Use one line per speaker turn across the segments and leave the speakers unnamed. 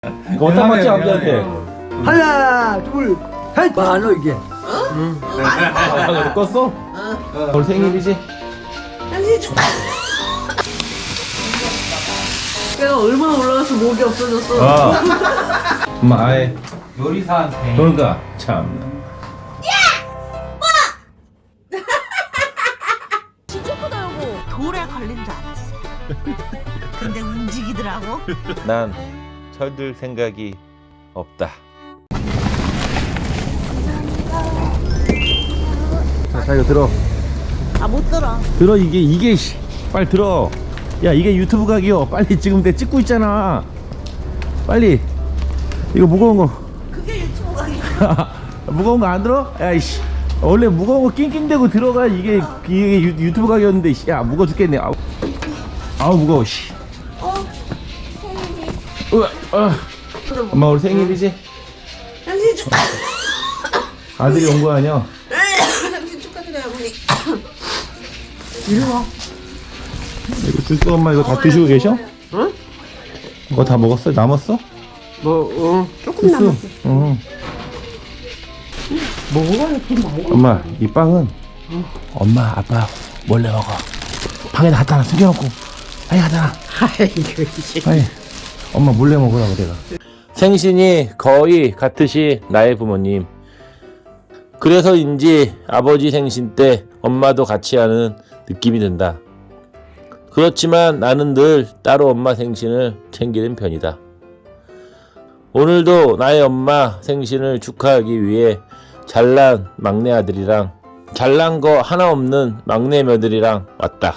이거 어디다 맞지 아버지한테?
하나, 둘, 셋. 많어 이게.
아, 껐어? 오늘 생일이지?
걔가 얼마나 올라가서 목이 없어졌어.
엄마 아예
요리사한테
그러니까 참.
진짜 크다 여보. 돌에 걸린 줄 알았어. 근데 움직이더라고.
난 철들 생각이 없다. 자 이거 들어.
아 못 들어.
들어 이게 씨. 빨리 들어. 야 이게 유튜브 각이요. 빨리 지금 내 찍고 있잖아. 빨리. 이거 무거운 거.
그게 유튜브 강의야.
무거운 거 안 들어? 야이씨. 원래 무거운 거 낑낑대고 들어가 이게 유튜브 각이었는데 씨. 야 무거워 죽겠네. 아우 무거워 씨. 엄마 오늘 생일이지?
당신 축하.
아들이 온 거 아니야?
당신 축하드려요 어머니.
이리 와.
이거 쓸거 엄마 이거 다 드시고 계셔?
응?
이거 다 먹었어? 남았어?
조금 남았어.
응.
먹어야 좀 먹어.
엄마 이 빵은 엄마 아빠 몰래 먹어. 방에다 갖다 놔 숨겨놓고 빨리 갖다 놔.
아이고 이제.
빨리 엄마 몰래 먹으라고 내가. 생신이 거의 같으시 나의 부모님. 그래서인지 아버지 생신 때 엄마도 같이 하는 느낌이 든다. 그렇지만 나는 늘 따로 엄마 생신을 챙기는 편이다. 오늘도 나의 엄마 생신을 축하하기 위해 잘난 막내 아들이랑 잘난 거 하나 없는 막내 며느리랑 왔다.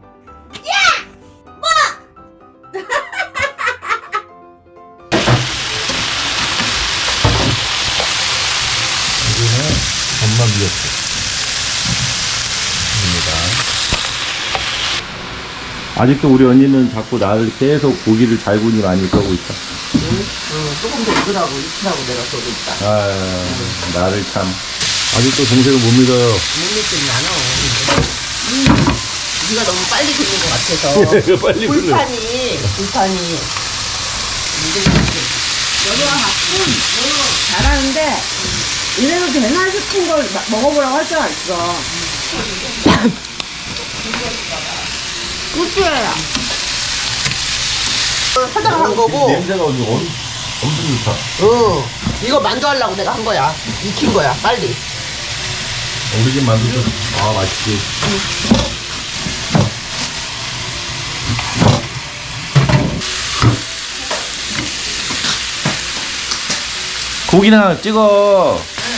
여기는 엄마 미역국 아직도 우리 언니는 자꾸 나를 계속 고기를 잘 구니 많이 그러고 있다.
조금 더 익으라고 익히라고 내가 써도 있다.
아, 나를 참 아직도 동생을 못 믿어요.
못 믿긴 나눠. 네가 너무 빨리 굽는 것 같아서.
빨리
불판이. 여기가 가끔 잘하는데 이래도 되나 싶은 걸 먹어보라고 할 때가 있어. 꿀주야. 화장한 거고.
냄새가 엄청 좋다.
이거 만두 하려고 내가 한 거야. 익힌 거야. 빨리.
우리 집 만두도 맛있지. 고기나 찍어.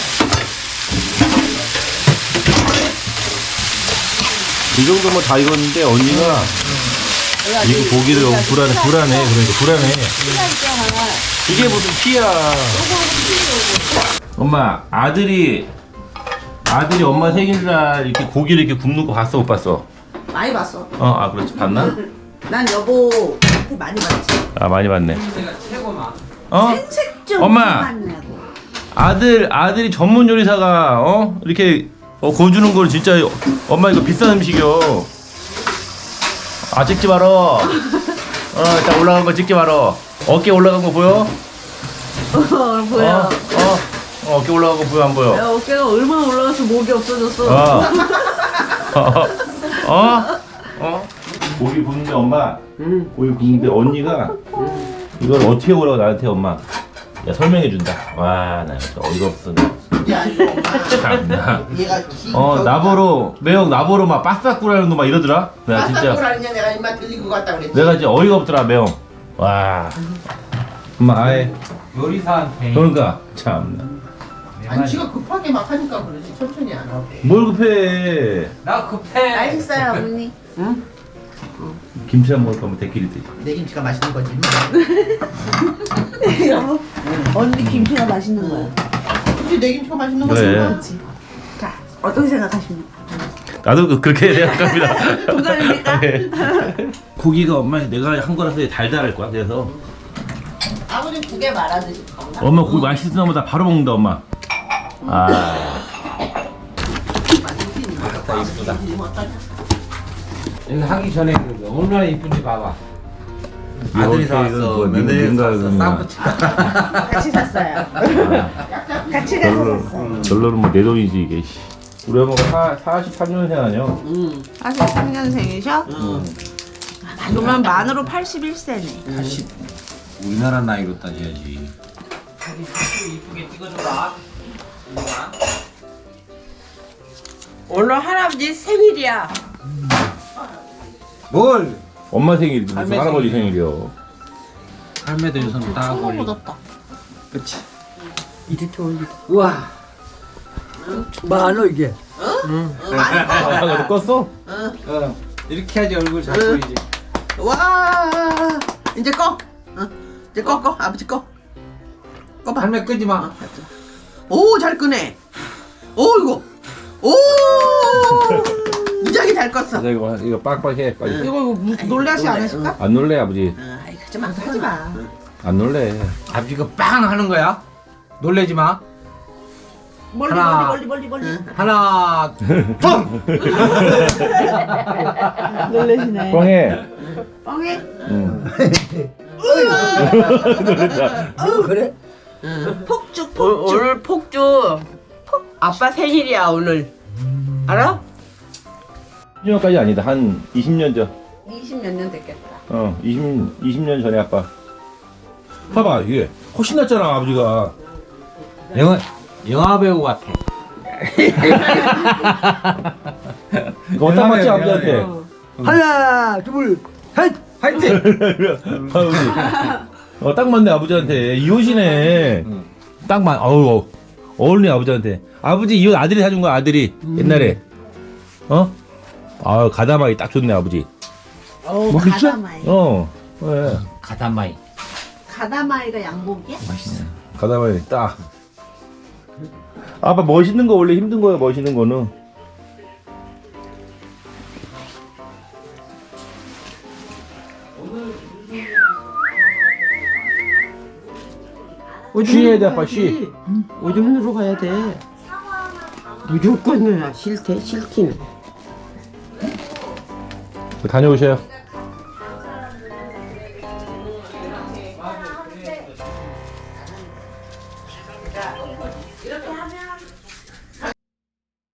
이 정도면 다 익었는데 언니가 이거 고기를 너무 불안해 그러니까 불안해. 이게 무슨 피야. 엄마 아들이 엄마 생일날 이렇게 고기를 이렇게 굽는 거 봤어 못 봤어?
많이 봤어.
아 그렇지 봤나?
난 여보한테 많이 봤지.
아 많이 봤네.
내가 최고나.
생색 좀
엄마
많냐고.
아들이 전문 요리사가 이렇게 구워주는 걸 진짜 엄마 이거 비싼 음식이요. 아 찍지 말어. 자 올라간 거 찍지 말어. 어깨 올라간 거 보여?
보여.
어깨 올라간 거 보여 안 보여?
야, 어깨가 얼마나 올라가서 목이 없어졌어.
고기 굽는데 엄마 고기 굽는데 언니가 이걸 어떻게 오라고 나한테 엄마 야 설명해 준다. 와 나 어이가 없어.
야, 이거
참나.
얘가
나보러 매형 나보러 막 빠싹구라는 거 막 이러더라. 내가 진짜
아니냐 내가 입맛 들리고 갔다 그랬지.
내가 진짜 어이가 없더라 매형. 와 엄마 아예
요리사한테
그러니까 참나.
아니 지가 급하게 막 하니까 그러지 천천히 안 하고.
뭘 급해.
나 급해.
맛있어요 어머니.
김치 안 먹을 거면 대끼리 되지.
내 김치가 맛있는 거지.
여보. 언니 김치가 맛있는 거야.
그치 내 김치가 맛있는 거지.
그래.
자 어떻게 생각하십니까?
나도 그렇게 생각합니다.
동감입니까?
고기가 엄마 내가 한 거라서 달달할 거야. 그래서
아버님 국에 말아드실 건가?
엄마 고기 맛있으나 보다 바로 먹는다 엄마. 아. 다 이쁘다.
이거 하기 전에 얼마나 이쁜지 봐봐. 아들이 사왔어. 며느리가 사왔어. 쌍붙이.
같이 샀어요. 같이 가서 샀어요.
결론은 뭐 내 돈이지 이게. 씨. 우리 엄마가 43년생 아니야?
43년생이셔? 그러면 만으로 81세네.
80. 우리나라 나이로 따져야지. 이쁘게 찍어줘라.
오늘 할아버지 생일이야.
뭘?
엄마 생일이 무슨
할매
할아버지
생일이야.
생일이요.
할매도 요즘 딱 올리고.
묻었다.
그치.
이렇게 올리고.
우와.
많어 이게.
아, 너 껐어?
이렇게 해야지 얼굴 잘 보이지.
와, 이제 꺼. 이제 꺼. 아버지 꺼. 꺼봐.
할매 끄지 마.
오, 잘 끄네. 오, 이거. 오, 무지하게 잘 껐어.
이거 빡빡해 빨리.
이거 놀라시 안 하실까?
안 놀래 아버지.
아이, 하지 마, 하지 마.
안 놀래.
아버지가 빵 하는 거야. 놀래지 마.
멀리,
하나.
멀리.
하나, 둘.
놀라시네.
뻥해.
뻥해?
응.
그래?
폭죽.
오늘 폭주 아빠 생일이야 오늘 알아?
10년까지 아니다. 한 20년 전.
20몇 년 됐겠다.
20년 전에 아빠. 봐봐 이게 훨씬 낫잖아 아버지가.
영화 배우 같아.
이거 딱 맞지 아버지한테.
하나, 둘, 셋.
화이팅!
아버지. 딱 맞네 아버지한테. 이 옷이네. 딱 맞. 어우 어울리네 아버지한테. 아버지 이 옷 아들이 사준 거야 아들이 옛날에. 아 가다마이 딱 좋네 아버지.
어,
뭐 그쵸?
가다마이.
왜?
가다마이.
가다마이가 양복이야?
맛있네.
가다마이 딱. 아빠 멋있는 거 원래 힘든 거야 멋있는 거는. 쉬해야 돼 아빠 쉬.
오줌으로 가야 돼 무조건 싫대 싫기는
다녀오세요.